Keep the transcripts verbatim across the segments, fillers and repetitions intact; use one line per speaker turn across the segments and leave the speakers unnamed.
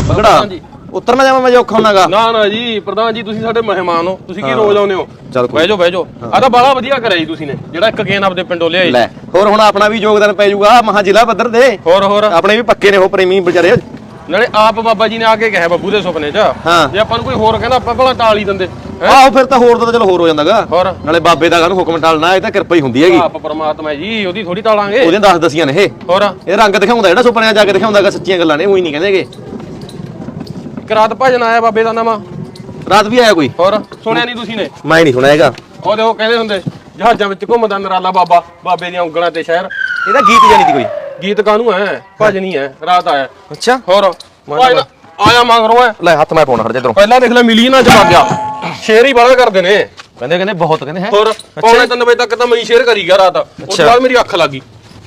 ਬਗੜਾ ਉੱਤਰ ਨਾ ਜਾਵਾਂ ਮੈਂ ਔਖਾ ਹੁੰਨਾਗਾ।
ਨਾ ਨਾ ਜੀ ਪ੍ਰਧਾਨ ਜੀ ਤੁਸੀਂ ਸਾਡੇ ਮਹਿਮਾਨ ਹੋ, ਤੁਸੀਂ ਕੀ ਰੋਜ਼ ਆਉਂਦੇ ਹੋ। ਬਹਿ ਜਾਓ ਬਹਿ ਜਾਓ। ਆ ਤਾਂ ਬਾਲਾ ਵਧੀਆ ਕਰਿਆ ਜੀ ਤੁਸੀਂ ਨੇ ਜਿਹੜਾ ਇੱਕ ਗੇਨ ਆਪਦੇ ਪਿੰਡੋਂ ਲਿਆਏ।
ਲੈ ਹੋਰ ਹੁਣ ਆਪਣਾ ਵੀ ਯੋਗਦਾਨ ਪੈ ਜਾਊਗਾ ਮਹਾ ਜ਼ਿਲ੍ਹਾ ਪੱਧਰ ਦੇ।
ਹੋਰ ਹੋਰ
ਆਪਣੇ ਵੀ ਪੱਕੇ ਨੇ ਉਹ ਪ੍ਰੇਮੀ ਵਿਚਾਰੇ।
ਨਾਲੇ ਆਪ ਬਾਬਾ ਜੀ ਨੇ ਆ ਕੇ ਕਿਹਾ ਬੱਬੂ ਦੇ ਸੁਪਨੇ 'ਚ ਜੇ ਆਪਾਂ ਨੂੰ ਕੋਈ ਹੋਰ ਕਹਿੰਦਾ ਆਪਾਂ ਭਲਾ ਟਾਲ ਹੀ ਦਿੰਦੇ।
ਆਹੋ ਫਿਰ ਤਾਂ ਹੋਰ ਤਾਂ ਚਲੋ ਹੋਰ ਹੋ ਜਾਂਦਾਗਾ।
ਹੋਰ
ਨਾਲੇ ਬਾਬੇ ਦਾ ਕਾਹਨੂੰ ਹੁਕਮ ਟਾਲਣਾ, ਇਹ ਤਾਂ ਕਿਰਪਾ ਹੀ ਹੁੰਦੀ ਹੈਗੀ।
ਆਪ ਪਰਮਾਤਮਾ ਜੀ ਉਹਦੀ ਥੋੜੀ ਟਾਲਾਂਗੇ।
ਉਹਦੇ ਦਸ ਦਸੀਆਂ ਨੇ ਇਹ।
ਹੋਰ
ਇਹ ਰੰਗ ਦਿਖਾਉਂਦਾ ਜਿਹੜਾ ਸੁਪਨਿਆਂ ਜਾ ਕੇ ਦਿਖਾਉਂਦਾਗਾ, ਸੱਚੀਆਂ ਗੱਲਾਂ ਨੇ, ਉਹੀ ਨਹੀਂ ਕਹਿੰਦੇਗੇ।
ਇੱਕ ਰਾਤ ਭਜਨ ਆਇਆ ਬਾਬੇ ਦਾ ਨਵਾਂ,
ਰਾਤ ਵੀ ਆਇਆ ਕੋਈ?
ਹੋਰ ਸੁਣਿਆ ਨਹੀਂ ਤੁਸੀਂ ਨੇ?
ਮੈਂ ਨਹੀਂ ਸੁਣਿਆ ਹੈਗਾ।
ਉਹਦੇ ਉਹ ਕਹਿੰਦੇ ਹੁੰਦੇ ਜਹਾਜ਼ਾਂ ਵਿੱਚ ਘੁੰਮਦਾ ਨਰਾਲਾ ਬਾਬਾ, ਬਾਬੇ ਦੀਆਂ ਉਂਗਲਾਂ ਤੇ ਸ਼ਹਿਰ।
ਇਹਦਾ ਗੀਤ ਜਾਨੀ ਦੀ ਕੋਈ?
ਗੀਤ ਕਾਹਨੂੰ ਹੈ, ਭਜਨ ਹੀ ਹੈ। ਰਾਤ ਆਇਆ।
ਅੱਛਾ
ਹੋਰ ਆਇਆ ਮੰਗਰੋਂ ਹੈ।
ਲੈ ਹੱਥ ਮੈਂ ਪਾਉਣਾ ਖੜ ਜਾ ਇਧਰੋਂ।
ਪਹਿਲਾਂ ਦੇਖ ਲੈ ਮਿਲੀ ਨਾ ਜਮਾ ਗਿਆ। ਸ਼ੇਰ ਹੀ ਬਾਲਾ ਕਰਦੇ ਨੇ
ਕਹਿੰਦੇ ਕਹਿੰਦੇ ਬਹੁਤ ਕਹਿੰਦੇ ਹੈ।
ਹੋਰ ਪੌਣੇ ਤਿੰਨ ਵਜੇ ਤੱਕ ਤਾਂ ਮੈਂ ਸ਼ੇਰ ਕਰੀ ਗਿਆ ਰਾਤ। ਉਸ ਤੋਂ ਬਾਅਦ ਮੇਰੀ ਅੱਖ ਲੱਗ ਗਈ।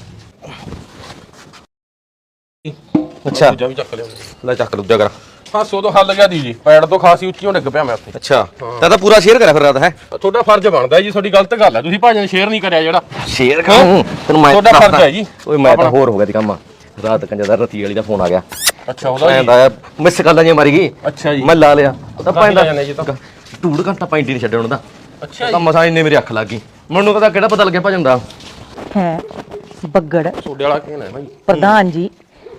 ਅੱਛਾ
ਦੂਜਾ ਵੀ ਚੱਕ ਲਿਆ।
ਲੈ ਚੱਕ ਦੂਜਾ ਕਰ।
ਹਾਸੋ ਤੋਂ ਹੱਲ ਗਿਆ ਦੀ ਜੀ, ਪੈੜ ਤੋਂ ਖਾਸੀ ਉੱਚੀ ਡਿੱਗ ਪਿਆ ਮੈਂ ਉੱਥੇ।
ਅੱਛਾ ਤਾਂ ਤਾਂ ਪੂਰਾ ਸ਼ੇਅਰ ਕਰਿਆ ਫਿਰ ਰਾਤ ਹੈ।
ਤੁਹਾਡਾ ਫਰਜ਼ ਬਣਦਾ ਜੀ, ਤੁਹਾਡੀ ਗਲਤ ਗੱਲ ਹੈ, ਤੁਸੀਂ ਭਾਜਨ ਸ਼ੇਅਰ ਨਹੀਂ ਕਰਿਆ ਜਿਹੜਾ।
ਸ਼ੇਅਰ ਕਰੂ ਤੈਨੂੰ ਮੈਂ
ਤੁਹਾਡਾ ਫਰਜ਼ ਹੈ ਜੀ।
ਓਏ ਮੈਂ ਤਾਂ ਹੋਰ ਹੋ ਗਿਆ ਦੀ ਕੰਮ। ਰਾਤ ਕੰਜਾ ਦਾ ਰਤੀ ਵਾਲੀ ਦਾ ਫੋਨ ਆ ਗਿਆ।
ਅੱਛਾ ਉਹਦਾ
ਆਂਦਾ ਮਿਸ ਕਾਲਾਂ ਜੀ ਮਾਰੀ ਗਈ।
ਅੱਛਾ ਜੀ
ਮੈਂ ਲਾ ਲਿਆ। ਤਾਂ ਪੈਂਦਾ
ਟੂੜ
ਘੰਟਾ ਪੈਂਟੀ ਨਹੀਂ ਛੱਡਣ ਦਾ।
ਅੱਛਾ
ਤਾਂ ਮਸਾਂ ਇੰਨੇ ਮੇਰੀ ਅੱਖ ਲੱਗ ਗਈ। ਮੈਨੂੰ ਪਤਾ ਕਿਹੜਾ ਪਤਾ ਲੱਗਿਆ ਭਜਨ ਦਾ
ਹੈ। ਬੱਗੜ
ਸੋਡੇ ਵਾਲਾ ਕਿਹਨ ਹੈ ਭਾਈ?
ਪ੍ਰਧਾਨ ਜੀ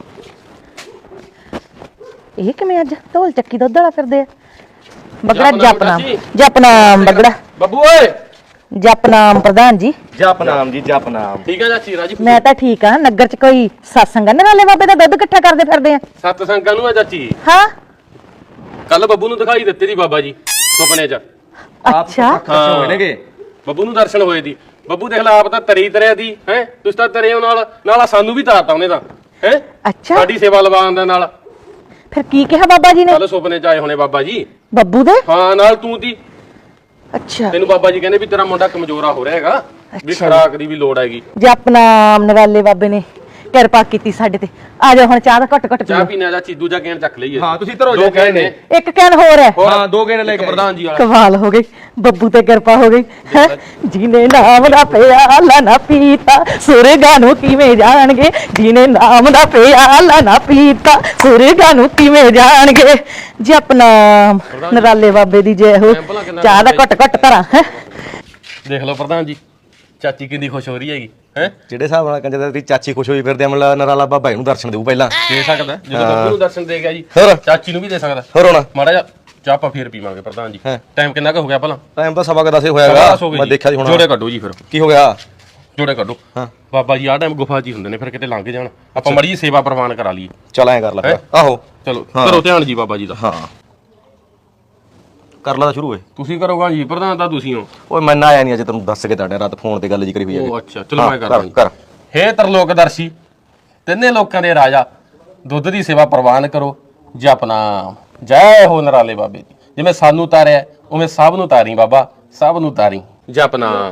ਇਹ ਕਿਵੇਂ ਅੱਜ ਢੋਲ ਚੱਕੀ ਦੁੱਧ ਵਾਲਾ ਫਿਰਦੇ ਆ? ਬਗੜਾ ਜਪਨਾਮ ਜਪਨਾਮ ਬਗੜਾ
ਬੱਬੂ ਓਏ
ਜਪਨਾਮ ਪ੍ਰਧਾਨ ਜੀ।
ਜਪਨਾਮ ਜੀ ਜਪਨਾਮ।
ਠੀਕ ਹੈ ਚਾਚੀ ਰਾਜੀ?
ਮੈਂ ਤਾਂ ਠੀਕ ਆ। ਨਗਰ ਚ ਕੋਈ ਸਤਸੰਗ ਨਾਲੇ ਬਾਬੇ ਦਾ ਦੁੱਧ ਇਕੱਠਾ ਕਰਦੇ ਫਿਰਦੇ ਆ।
ਸੱਤ ਸੰਗਾਂ ਨੂੰ ਹੈ ਚਾਚੀ।
ਹਾਂ
ਕੱਲ ਬੱਬੂ ਨੂੰ ਦਿਖਾਈ ਦਿੱਤੇ ਦੀ ਬਾਬਾ ਜੀ ਸੁਪਨੇ 'ਚ।
ਅੱਛਾ
ਹੋਏ ਨੇਗੇ
ਬੱਬੂ ਨੂੰ ਦਰਸ਼ਨ ਹੋਏ ਦੀ। ਬੱਬੂ ਦੇਖ ਲੈ ਆਪ ਤਾਂ ਤਰੀ ਤਰਿਆ ਦੀ ਹੈ, ਤੁਸੀਂ ਤਾਂ ਤਰੇ ਹੋ ਨਾਲ ਨਾਲ ਸਾਨੂੰ ਵੀ ਤਾਰਤਾ ਉਹਨੇ ਤਾਂ ਹੈ।
ਅੱਛਾ
ਸਾਡੀ ਸੇਵਾ ਲਵਾਉਣ ਦੇ ਨਾਲ।
ਫਿਰ ਕੀ ਕਿਹਾ ਬਾਬਾ ਜੀ ਨੇ?
ਕੱਲ ਸੁਪਨੇ 'ਚ ਆਏ ਹੋਣੇ ਬਾਬਾ ਜੀ।
ਬੱਬੂ ਦੇ?
ਹਾਂ ਨਾਲ ਤੂੰ ਦੀ।
ਅੱਛਾ
ਤੈਨੂੰ ਬਾਬਾ ਜੀ ਕਹਿੰਦੇ ਵੀ ਤੇਰਾ ਮੁੰਡਾ ਕਮਜ਼ੋਰਾ ਹੋ ਰਿਹਾ ਹੈਗਾ, ਵੀ ਖੁਰਾਕ ਦੀ ਵੀ ਲੋੜ ਹੈਗੀ।
ਜਪਨਾਮ ਨਰਾਲੇ ਬਾਬੇ ਨੇ ਕਿਰਪਾ ਕੀਤੀ ਸਾਡੇ ਤੇ। ਆ ਜਾ ਹੁਣ ਚਾਹ ਦਾ ਘੱਟ ਘੱਟ
ਚਾਹ ਪੀਣਾ ਜਾਂ ਚੀਦੂ ਜਾਂ ਕੈਨ ਚੱਕ ਲਈਏ।
ਹਾਂ ਤੁਸੀਂ ਧਰੋ
ਦੋ ਕੈਨ ਨੇ।
ਇੱਕ ਕੈਨ ਹੋਰ ਹੈ।
ਹਾਂ ਦੋ ਗੇੜੇ ਲੈ ਕੇ
ਪ੍ਰਧਾਨ ਜੀ ਵਾਲਾ।
ਕਮਾਲ ਹੋ ਗਈ, ਬੱਬੂ ਤੇ ਕਿਰਪਾ ਹੋ ਗਈ ਹੈ। ਜਿਹਨੇ ਨਾਮ ਦਾ ਪਿਆਲਾ ਨਾ ਪੀਤਾ ਸੁਰਗਾਂ ਨੂੰ ਕਿਵੇਂ ਜਾਣਗੇ। ਜਿਹਨੇ ਨਾਮ ਦਾ ਪਿਆਲਾ ਨਾ ਪੀਤਾ ਸੁਰਗਾਂ ਨੂੰ ਕਿਵੇਂ ਜਾਣਗੇ। ਜਪਨਾਮ ਨਰਾਲੇ ਬਾਬੇ ਦੀ ਜੈ ਹੋ। ਚਾਹ ਦਾ ਘੱਟ ਘੱਟ ਧਰਾਂ ਹੈ।
ਦੇਖ ਲਓ ਪ੍ਰਧਾਨ ਜੀ ਚਾਚੀ ਕਿੰਨੀ ਖੁਸ਼ ਹੋ ਰਹੀ ਹੈਗੀ ਹੈ।
ਜਿਹੜੇ ਹਿਸਾਬ ਨਾਲ ਕੰਜਾ ਤੇਰੀ ਚਾਚੀ ਖੁਸ਼ ਹੋਈ ਫਿਰਦੇ ਅਮਲਾ ਨਰਾਲਾ ਬਾਬਾ ਇਹਨੂੰ ਦਰਸ਼ਨ ਦੇਊ ਪਹਿਲਾਂ।
ਦੇ ਸਕਦਾ ਜਦੋਂ ਬੱਬੂ ਨੂੰ ਦਰਸ਼ਨ ਦੇ ਗਿਆ ਜੀ,
ਹੋਰ
ਚਾਚੀ ਨੂੰ ਵੀ ਦੇ ਸਕਦਾ।
ਹੋਰ ਹੋਣਾ
ਮਾੜਾ ਜਿਹਾ ਚਾਹ ਆਪਾਂ ਫੇਰ ਪੀਵਾਂਗੇ ਪ੍ਰਧਾਨ ਜੀ। ਟਾਈਮ ਕਿੰਨਾ ਕੁ ਹੋ ਗਿਆ ਭਲਾ?
ਟਾਈਮ ਤਾਂ ਸਵਾ ਕੁ ਦਸ ਹੋਇਆਗਾ। ਮੈਂ ਦੇਖਿਆ ਸੀ ਹੁਣ।
ਜੋੜੇ ਕੱਢੋ ਜੀ ਫਿਰ।
ਕੀ ਹੋ ਗਿਆ?
ਜੋੜੇ ਕੱਢੋ। ਹਾਂ ਬਾਬਾ ਜੀ ਆਹ ਟਾਈਮ ਗੁਫਾ 'ਚ ਹੀ ਹੁੰਦੇ ਨੇ, ਫਿਰ ਕਿਤੇ ਲੰਘ ਜਾਣ ਆਪਾਂ ਮੜੀ ਜੀ ਸੇਵਾ ਪ੍ਰਵਾਨ ਕਰਾ ਲਈਏ।
ਚਲ ਐਂ ਕਰ ਲੈ ਫਿਰ। ਆਹੋ
ਚਲੋ ਕਰੋ ਧਿਆਨ ਜੀ ਬਾਬਾ ਜੀ ਦਾ।
ਹਾਂ ਕਰ ਲਾ ਤਾਂ ਸ਼ੁਰੂ ਹੋਏ।
ਤੁਸੀਂ ਕਰੋਗਾ ਜੀ, ਪ੍ਰਧਾਨ ਤਾਂ ਤੁਸੀਂ ਹੋ।
ਓਏ ਮੈਂ ਨਾ ਆਇਆ ਨਹੀਂ ਅਜੇ, ਤੈਨੂੰ ਦੱਸ ਕੇ ਤੁਹਾਡੇ ਰਾਤ ਫੋਨ ਤੇ ਗੱਲ ਜੀ ਕਰੀ ਹੋਈ ਹੈ।
ਉਹ ਅੱਛਾ ਚਲੋ ਮੈਂ ਕਰਾਂ।
ਕਰ।
ਹੇ ਤਰਲੋਕਦਰਸ਼ੀ ਤਿੰਨੇ ਲੋਕਾਂ ਦੇ ਰਾਜਾ, ਦੁੱਧ ਦੀ ਸੇਵਾ ਪ੍ਰਵਾਨ ਕਰੋ। ਜਪਨਾਮ ਜੈ ਹੋ ਨਰਾਲੇ ਬਾਬੇ ਦੀ। ਜਿਵੇਂ ਸਾਨੂੰ ਤਾਰਿਆ ਉਵੇਂ ਸਭ ਨੂੰ ਤਾਰੀ ਬਾਬਾ, ਸਭ ਨੂੰ ਤਾਰੀ। ਜਪਨਾਮ।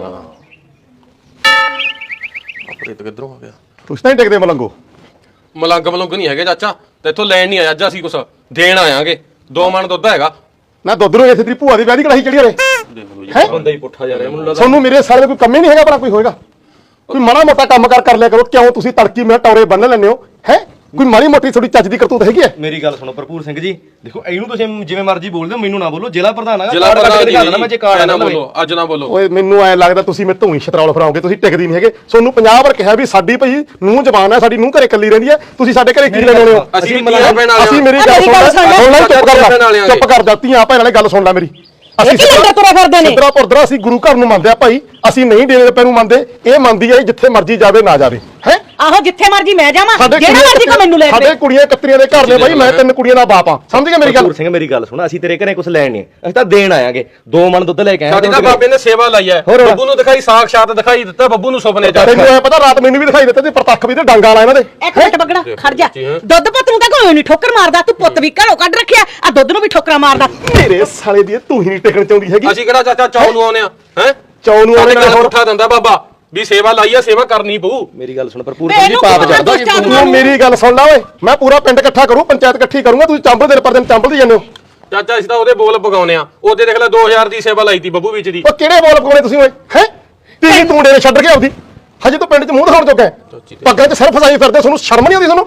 ਆਪਣੇ ਤੇ ਕਿੱਧਰੋਂ ਆ ਗਿਆ?
ਤੁਸੀਂ ਤਾਂ ਨਹੀਂ ਟਿਕਦੇ ਮਲੰਗੋ।
ਮਲੰਗ ਮਲੰਗ ਨਹੀਂ ਹੈਗੇ ਚਾਚਾ, ਤੇ ਇੱਥੋਂ ਲੈਣ ਨਹੀਂ ਆਇਆ ਅੱਜ ਅਸੀਂ ਕੁਛ ਦੇਣ ਆਇਆਂਗੇ। ਦੋ ਮਣ ਦੁੱਧ ਹੈਗਾ
ਨਾ ਦੁੱਧ ਨੂੰ ਇੱਥੇ ਤੇਰੀ ਭੂਆ ਦੀ ਵਿਆਹ ਦੀ ਕੜਾਹੀ ਚੜੀ ਹੋਵੇ।
ਦੇਖ ਲਓ ਜੀ ਬੰਦਾ ਹੀ ਪੁੱਠਾ ਜਾ ਰਿਹਾ ਮੈਨੂੰ ਲੱਗਦਾ।
ਤੁਹਾਨੂੰ ਮੇਰੇ ਸਾਲੇ ਕੋਈ ਕੰਮ ਹੀ ਨਹੀਂ ਹੈਗਾ, ਭਲਾ ਕੋਈ ਹੋਏਗਾ? ਕੋਈ ਮਾੜਾ ਮੋਟਾ ਕੰਮ ਕਰ ਕਰ ਲਿਆ ਕਰੋ। ਕਿਉਂ ਤੁਸੀਂ ਤੜਕੀ ਮੈਂ ਟੌਰੇ ਬੰਨ ਲੈਂਦੇ ਹੋ ਹੈ? ਕੋਈ ਮਾੜੀ ਮੋਟੀ ਥੋੜੀ ਚੱਜ ਦੀ ਕਰਤੂਤ ਹੈਗੀ ਹੈ?
ਮੇਰੀ ਗੱਲ ਸੁਣੋ ਭਰਪੂਰ ਸਿੰਘ ਜੀ, ਦੇਖੋ ਇਹਨੂੰ ਤੁਸੀਂ ਜਿਵੇਂ ਮਰਜ਼ੀ ਬੋਲਦੇ ਹੋ, ਮੈਨੂੰ ਨਾ ਬੋਲੋ। ਜ਼ਿਲ੍ਹਾ ਪ੍ਰਧਾਨ ਆ,
ਜ਼ਿਲ੍ਹਾ ਪ੍ਰਧਾਨ ਜੀ
ਮੈਂ ਜੇ ਕਾਰਡ
ਨਾ ਬੋਲੋ, ਅੱਜ ਨਾ ਬੋਲੋ।
ਓਏ ਮੈਨੂੰ ਐ ਲੱਗਦਾ ਤੁਸੀਂ ਮੇਰੇ ਤੋਂ ਹੀ ਛਤਰਾਲ ਫਰਾਓਗੇ। ਤੁਸੀਂ ਟਿਕਦੀ ਨਹੀਂ ਹੈਗੇ। ਤੁਹਾਨੂੰ ਪੰਜਾਹ ਵਾਰ ਕਿਹਾ ਵੀ ਸਾਡੀ ਭਈ ਨੂੰਹ ਜਵਾਨ ਹੈ, ਸਾਡੀ ਨੂੰਹ ਘਰੇ ਇਕੱਲੀ ਰਹਿੰਦੀ ਹੈ। ਤੁਸੀਂ ਸਾਡੇ ਘਰੇ ਕੀ ਲੈਣ ਆਉਣੇ ਹੋ?
ਅਸੀਂ ਮਲਾਇਆ ਪੈਣ ਵਾਲੇ।
ਅਸੀਂ ਮੇਰੀ ਗੱਲ ਸੁਣ ਲੈ, ਚੁੱਪ ਕਰ ਜਾ, ਚੁੱਪ ਕਰ ਜਾ। ਧੀਆਂ ਭੈਣਾਂ ਵਾਲੀ ਗੱਲ ਸੁਣ ਲੈ ਮੇਰੀ। ਅਸੀਂ ਸਿੱਧਰਾ ਪੁਰਦਰਾ ਅਸੀਂ ਗੁਰੂ ਘਰ ਨੂੰ ਮੰਨਦੇ ਆ ਭਾਈ। ਅਸੀਂ ਨਹੀਂ ਡੇਰੇ ਪੈਣ ਨੂੰ ਮੰਨਦੇ। ਇਹ ਮੰਨਦੀ ਹੈ ਜਿੱਥੇ ਮਰਜ਼ੀ ਜਾਵੇ ਨਾ ਜਾਵੇ ਹੈ।
ਆਹੋ ਜਿੱਥੇ ਮਰਜ਼ੀ ਮੈਂ ਜਾਵਾਂ, ਜਿਹੜਾ ਮਰਜ਼ੀ ਕੋ ਮੈਨੂੰ ਲੈ
ਸਾਡੇ ਕੁੜੀਆਂ ਕਤਰੀਆਂ ਦੇ ਘਰ ਨੇ ਬਾਈ। ਮੈਂ ਤਿੰਨ ਕੁੜੀਆਂ ਦਾ ਬਾਪ ਆ, ਸਮਝ ਗਿਆ ਮੇਰੀ ਗੱਲ?
ਭਰਪੂਰ ਸਿੰਘ ਮੇਰੀ ਗੱਲ ਸੁਣ, ਅਸੀਂ ਤੇਰੇ ਘਰੇ ਕੁਝ ਲੈਣ ਨਹੀਂ, ਅਸੀਂ ਤਾਂ ਦੇਣ ਆਇਆਂਗੇ। ਦੋ ਮਣ ਦੁੱਧ ਲੈ ਕੇ ਆਏ।
ਸਾਡੀ ਤਾਂ ਬਾਬੇ ਨੇ ਸੇਵਾ ਲਈ ਹੈ। ਬੱਬੂ ਨੂੰ ਦਿਖਾਈ ਸਾਖਸ਼ਾਤ ਦਿਖਾਈ ਦਿੱਤਾ। ਬੱਬੂ ਨੂੰ ਸੁਪਨੇ 'ਚ
ਤੈਨੂੰ ਐ ਪਤਾ ਰਾਤ ਮੈਨੂੰ ਵੀ ਦਿਖਾਈ ਦਿੱਤੇ ਤੇ ਪ੍ਰਤੱਖ ਵੀ ਤੇ ਡਾਂਗਾ ਵਾਲਾ ਇਹਨਾਂ ਦੇ।
ਇੱਕ ਮਿੰਟ ਬਗੜਾ ਖੜ ਜਾ। ਦੁੱਧ ਪੁੱਤ ਨੂੰ ਤਾਂ ਕੋਈ ਨਹੀਂ ਠੋਕਰ ਮਾਰਦਾ। ਤੂੰ ਪੁੱਤ ਵੀ ਘਰੋਂ ਕੱਢ ਰੱਖਿਆ, ਆ ਦੁੱਧ ਨੂੰ ਵੀ ਠੋਕਰਾਂ ਮਾਰਦਾ।
ਮੇਰੇ ਸਾਲੇ ਦੀ ਤੂੰ ਹੀ ਨਹੀਂ ਟਿਕਣ ਚਾਹੁੰਦੀ ਹੈਗੀ।
ਅਸੀਂ ਕਿਹੜਾ ਚਾਚਾ ਚੌ ਨੂੰ ਆਉਨੇ ਆ ਹੈ?
ਚੌ ਨੂੰ ਆਉਣੇ ਨਾਲ
ਉੱਠਾ ਦਿੰਦਾ ਬਾਬਾ ਵੀ ਸੇਵਾ ਲਾਈ ਆ, ਸੇਵਾ ਕਰਨੀ ਪਊ।
ਮੇਰੀ ਗੱਲ ਸੁਣ ਭਰਪੂਰ ਸਿੰਘ ਜੀ, ਪਾਪ ਚੜਦਾ।
ਤੂੰ ਮੇਰੀ ਗੱਲ ਸੁਣ ਲੈ ਓਏ। ਮੈਂ ਪੂਰਾ ਪਿੰਡ ਇਕੱਠਾ ਕਰੂੰ, ਪੰਚਾਇਤ ਇਕੱਠੀ ਕਰੂੰਗਾ। ਤੁਸੀਂ ਚੰਬਲ ਦੇ ਪਰ ਦਿਨ ਚੰਬਲਦੇ ਜਾਂਦੇ ਹੋ
ਚਾਚਾ। ਅਸੀਂ ਤਾਂ ਉਹਦੇ ਬੋਲ ਪਗਾਉਨੇ ਆ। ਉਹਦੇ ਦੇਖ ਲੈ ਦੋ ਹਜ਼ਾਰ ਦੀ ਸੇਵਾ ਲਾਈ ਤੀ ਬੱਬੂ ਵਿੱਚ ਦੀ।
ਉਹ ਕਿਹੜੇ ਬੋਲ ਪਗਾਉਣੇ ਤੁਸੀਂ ਓਏ ਹੈ? ਤੀ ਤੂੰ ਡੇਰੇ ਛੱਡ ਕੇ ਆਉਦੀ ਹਜੇ ਤੂੰ ਪਿੰਡ 'ਚ ਮੂੰਹ ਦਿਖਾਉਣ ਜੋਗਾ। ਪੱਗਾਂ 'ਚ ਸਿਰ ਫਸਾਈ ਫਿਰਦੇ, ਤੁਹਾਨੂੰ ਸ਼ਰਮ ਨਹੀਂ ਆਉਂਦੀ? ਤੁਹਾਨੂੰ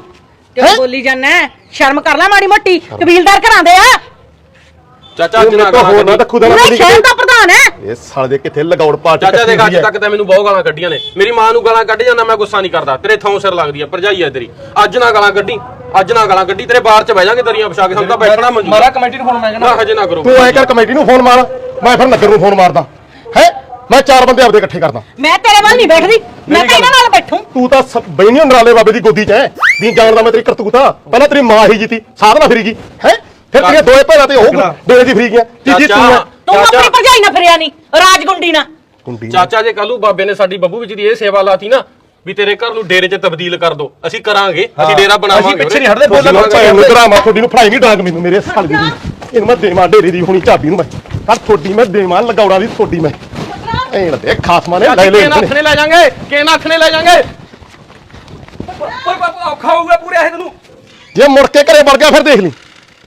ਕਿਉਂ ਬੋਲੀ ਜਾਂਦਾ ਸ਼ਰਮ ਕਰ ਲੈ ਮਾੜੀ ਮੋਟੀ ਕਬੀਲਦਾਰ ਘਰਾਂ ਦੇ ਆ
ਚਾਚਾ ਅੱਜ ਨਾ
ਹੋਰ ਨਾ
ਗਾਲਾਂ
ਰੱਖੂ ਦਾ
ਪੂਰੇ ਸ਼ਹਿਰ ਦਾ ਪ੍ਰਧਾਨ ਹੈ
ਇਹ ਸਾਲੇ ਦੇ ਕਿੱਥੇ ਲਗਾਉੜ ਪਾਟ
ਚਾਚਾ ਦੇਖ ਅੱਜ ਤੱਕ ਤਾਂ ਮੈਨੂੰ ਬਹੁਤ ਗਾਲਾਂ ਕੱਢੀਆਂ ਨੇ ਮੇਰੀ ਮਾਂ ਨੂੰ ਗਾਲਾਂ ਕੱਢ ਜਾਂਦਾ ਮੈਂ ਗੁੱਸਾ ਨਹੀਂ ਕਰਦਾ ਤੇਰੇ ਥਾਂ ਸਿਰ ਲੱਗਦੀ ਆ ਭਰਜਾਈ ਆ ਤੇਰੀ ਅੱਜ ਨਾ ਗਾਲਾਂ ਕੱਢੀ ਅੱਜ ਨਾ ਗਾਲਾਂ ਕੱਢੀ ਤੇਰੇ ਬਾਹਰ ਚ ਬਹਿ ਜਾਾਂਗੇ ਤੇਰੀਆਂ ਵਿਛਾ ਕੇ ਸਾਨੂੰ ਤਾਂ ਬੈਠਣਾ ਮਨਜ਼ੂਰ
ਮਾਰਾ ਕਮੇਟੀ ਨੂੰ ਫੋਨ ਮੈਂ ਕਹਿੰਦਾ
ਨਾ ਹਜੇ ਨਾ ਕਰੋ
ਤੂੰ ਐ ਕਰ ਕਮੇਟੀ ਨੂੰ ਫੋਨ ਮਾਰ ਮੈਂ ਫਿਰ ਨਗਰ ਨੂੰ ਫੋਨ ਮਾਰਦਾ ਹੈ ਮੈਂ ਚਾਰ ਬੰਦੇ ਆਪਦੇ ਇਕੱਠੇ ਕਰਦਾ
ਮੈਂ ਤੇਰੇ ਵੱਲ ਨਹੀਂ ਬੈਠਦੀ ਮੈਂ ਤਾਂ ਇਹਨਾਂ ਨਾਲ ਬੈਠੂ
ਤੂੰ ਤਾਂ ਬੈਣੀ ਨਰਾਲੇ ਬਾਬੇ ਦੀ ਗੋਦੀ 'ਚ ਐ ਦੀ ਜਾਣਦਾ ਮੈਂ ਤੇਰੀ ਕਰਤੂਤ ਆ ਪਹਿਲਾਂ ਤੇਰੀ ਮਾਂ ਹੀ ਜੀਤੀ ਸਾਧਨਾ ਫਿਰੀ ਗਈ ਹੈ ਫਿਰ ਤੇਰੀਆਂ ਦੋਏ ਭੈਣਾਂ ਤੇ ਉਹ ਡੇਰੇ ਦੀ ਫਿਰੀ ਗਿਆ ਤੀਜੀ ਤੂੰ ਆ
ਤੂੰ ਆਪਣੀ ਭਰਜਾਈ ਨਾਲ ਫਿਰਿਆ ਨਹੀਂ ਰਾਜਗੁੰਡੀ ਨਾਲ
ਕੁੰਡੀ
ਚਾਚਾ ਜੇ ਕੱਲੂ ਬਾਬੇ ਨੇ ਸਾਡੀ ਬੱਬੂ ਵਿੱਚ ਦੀ ਇਹ ਸੇਵਾ ਲਾਤੀ ਨਾ ਵੀ ਤੇਰੇ ਘਰ ਨੂੰ ਡੇਰੇ 'ਚ ਤਬਦੀਲ ਕਰ ਦੋ ਅਸੀਂ ਕਰਾਂਗੇ ਅਸੀਂ ਡੇਰਾ ਬਣਾਵਾਂਗੇ
ਅਸੀਂ ਪਿੱਛੇ ਨਹੀਂ ਹਟਦੇ
ਬੋਲਣ
ਬੋਲਣ
ਨੂੰ ਤੇਰਾ ਮੈਂ ਤੁਹਾਡੀ ਨੂੰ ਫੜਾਈ ਨਹੀਂ ਡਾਂਗ ਮੈਨੂੰ ਮੇਰੇ ਸਾਲ ਦੀ ਇਹਨੂੰ ਮੈਂ ਦੇਵਾਂ ਡੇਰੇ ਦੀ ਹੁਣੀ ਚਾਬੀ ਨੂੰ ਮੈਂ ਕੱਲ ਤੁਹਾਡੀ ਮੈਂ ਦੇਵਾਂ ਲਗਾਉਣਾ ਦੀ ਤੁਹਾਡੀ ਮੈਂ ਐਂ ਦੇ ਖਾਸਮਾਂ ਨੇ ਲੈ ਲੈ
ਨੱਥ ਨੇ ਲੈ ਜਾਾਂਗੇ ਕੇ ਨੱਥ ਨੇ ਲੈ ਜਾਾਂਗੇ
ਓਏ ਬਾਪੂ ਔਖਾ ਹੋਊਗਾ ਪੂਰੇ ਇਹ ਤੈਨੂੰ
ਜੇ ਮੁੜ ਕੇ ਘਰੇ ਵੜ ਗਿਆ ਫਿਰ ਦੇਖ ਲਈ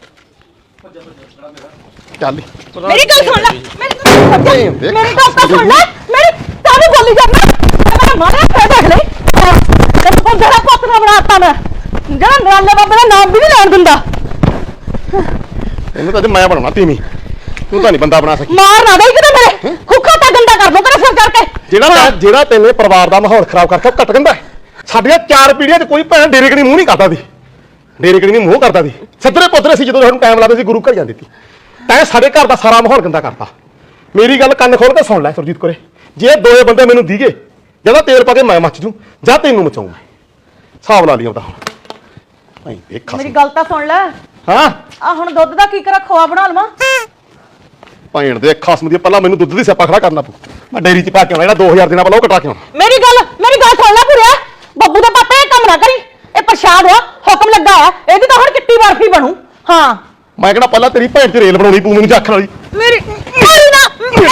ਚੱਲ
ਮੇਰੀ ਗੱਲ ਸੁਣ ਲੈ ਮੇਰੀ ਗੱਲ ਸੁਣ ਲੈ ਮੇਰੀ ਗੱਲ ਤਾਂ ਸੁਣ ਲੈ ਮੇਰੀ ਤਾਨੂੰ ਬੋਲੀ ਜਾਂਦਾ ਮੈਂ ਮਾਰਿਆ ਫੇਰ ਦੇਖ ਲੈ ਤੇ ਤੂੰ ਜਿਹੜਾ ਪੁੱਤ ਨਾ ਬਣਾਤਾ ਮੈਂ ਜਿਹੜਾ ਨਰਾਲੇ ਬਾਬੇ ਦਾ ਨਾਮ ਵੀ ਨਹੀਂ ਲੈਣ ਦਿੰਦਾ
ਇਹਨੂੰ ਤਾਂ ਅੱਜ ਮੈਂ ਬਣਾਉਣਾ ਤੀਵੀਂ ਤੂੰ ਤਾਂ ਨਹੀਂ ਬੰਦਾ ਬਣਾ ਸਕੀ
ਮਾਰ ਨਾ ਦੇ ਕਿਤੇ ਮੇਰੇ ਖੁੱਖਾ ਤਾਂ ਗੰਦਾ ਕਰ ਦੋ ਤੇਰੇ ਸਿਰ ਕਰਕੇ
ਜਿਹੜਾ ਜਿਹੜਾ ਤੈਨੇ ਪਰਿਵਾਰ ਦਾ ਮਾਹੌਲ ਖਰਾਬ ਕਰਕੇ ਉਹ ਕੱਟ ਗੰਦਾ ਸਾਡੀਆਂ ਚਾਰ ਪੀੜ੍ਹੀਆਂ 'ਚ ਕੋਈ ਭੈਣ ਡੇਰੇ ਕਣੀ ਮੂੰਹ ਨਹੀਂ ਕਰਦਾ ਸੀ ਡੇਰੇ ਕਣੀ ਮੂੰਹ ਕਰਦਾ ਸੀ ਸੱਤਰੇ ਪੁੱਤਰੇ ਸੀ ਜਦੋਂ ਸਾਨੂੰ ਟਾਈਮ ਲੱਗਦਾ ਸੀ ਗੁਰੂ ਘਰ ਜਾਂਦੀ ਸੀ ਤੈਂ ਸਾਡੇ ਘਰ ਦਾ ਸਾਰਾ ਮਾਹੌਲ ਗੰਦਾ ਕਰਤਾ ਮੇਰੀ ਗੱਲ ਕੰਨ ਖੋਲ ਕੇ ਸੁਣ ਲੈ ਸੁਰਜੀਤ ਕੋਰੇ ਜੇ ਦੋਏ ਬੰਦੇ ਮੈਨੂੰ ਦੀਗੇ ਜਦੋਂ ਤੇਲ ਪਾ ਕੇ ਮੈਂ ਮੱਚ ਜੂ ਜਾਂ ਤੈਨੂੰ ਮਚਾਉਂ ਮੈਂ ਹਿਸਾਬ ਲਾ ਲਈ ਉਹਦਾ ਹੁਣ ਭਾਈ ਦੇਖ
ਮੇਰੀ ਗੱਲ ਤਾਂ ਸੁਣ ਲੈ
ਹਾਂ
ਆ ਹੁਣ ਦੁੱਧ ਦਾ ਕੀ ਕਰਾਂ ਖੋਆ ਬਣਾ ਲਵਾਂ
ਭੈਣ ਦੇ ਖਸਮ ਦੀ ਪਹਿਲਾਂ ਮੈਨੂੰ ਦੁੱਧ ਦੀ ਸਿਆਪਾ ਖੜਾ ਕਰਨਾ ਪਊ ਮੈਂ ਡੇਰੀ 'ਚ ਪਾ ਕੇ ਆਉਣਾ ਜਿਹੜਾ ਦੋ ਹਜ਼ਾਰ ਦੇਣਾ ਪਹਿਲਾਂ ਉਹ ਕਟਾ ਕੇ ਆਉਣਾ
ਮੇਰੀ ਗੱਲ ਮੇਰੀ ਗੱਲ ਸੁਣ ਲੈ ਪੂਰਿਆ ਬੱਬੂ ਦੇ ਪਾਪੇ ਇਹ ਕੰਮ ਨਾ ਕਰੀ ਇਹ ਪ੍ਰਸ਼ਾਦ ਆ ਹੁਕਮ ਲੱਗਾ ਆ ਇਹਦੀ ਤਾਂ ਹੁਣ ਕਿੱਟੀ ਬਰਫੀ ਬਣੂ ਹਾਂ
ਮੈਂ ਕਹਿੰਦਾ ਪਹਿਲਾਂ ਤੇਰੀ ਭੈਣ 'ਚ ਰੇਲ ਬਣਾਉਣੀ ਪਊ ਮੈਨੂੰ ਜਾਖਣ ਵਾਲੀ
ਮੇਰੀ ਮੇਰੀ ਨਾ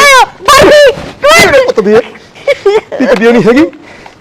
ਬਰਫੀ
ਪੁੱਤ ਦੀ ਤੀ ਕਦੀ ਨਹੀਂ ਹੈਗੀ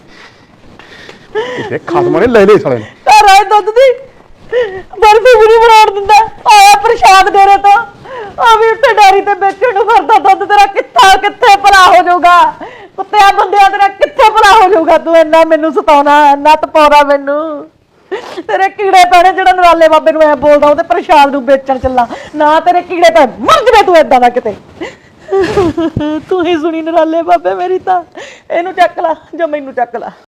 ਇਹ ਖਸਮਾਂ ਨੇ ਲੈ ਲੈ ਸਾਲੇ ਨੇ
ਘਰ ਆਏ ਦੁੱਧ ਦੀ ਬਰਫੀ ਵੀ ਨਹੀਂ ਬਣਾਉਣ ਦਿੰਦਾ ਆਇਆ ਪ੍ਰਸ਼ਾਦ ਡੇਰੇ ਤੋਂ ਆ ਵੀ ਉੱਤੇ ਡਾਰੀ ਤੇ ਵੇਚਣ ਨੂੰ ਫਿਰਦਾ ਦੁੱਧ ਤੇਰਾ ਕਿੱਥਾ ਕਿੱਥੇ ਭਲਾ ਹੋ ਜਾਊਗਾ ਕੁੱਤਿਆਂ ਬੰਦਿਆਂ ਤੇਰਾ ਕਿੱਥੇ ਭਲਾ ਹੋ ਜਾਊਗਾ ਤੂੰ ਇੰਨਾ ਮੈਨੂੰ ਸਤਾਉਣਾ ਇੰਨਾ ਤਪਾਉਣਾ ਮੈਨੂੰ ਤੇਰੇ ਕੀੜੇ ਪੈਣੇ ਜਿਹੜਾ ਨਰਾਲੇ ਬਾਬੇ ਨੂੰ ਐ ਬੋਲਦਾ ਉਹ ਤੇ ਪ੍ਰਸ਼ਾਦ ਨੂੰ ਵੇਚਣ ਚੱਲਾ ਨਾ ਤੇਰੇ ਕੀੜੇ ਪੈ ਮਰ ਜਵੇ ਤੂੰ ਏਦਾਂ ਦਾ ਕਿਤੇ ਤੂੰ ਹੀ ਸੁਣੀ ਨਰਾਲੇ ਬਾਬੇ ਮੇਰੀ ਤਾਂ ਇਹਨੂੰ ਚੱਕ ਲਾ ਜਾਂ ਮੈਨੂੰ ਚੱਕ ਲਾ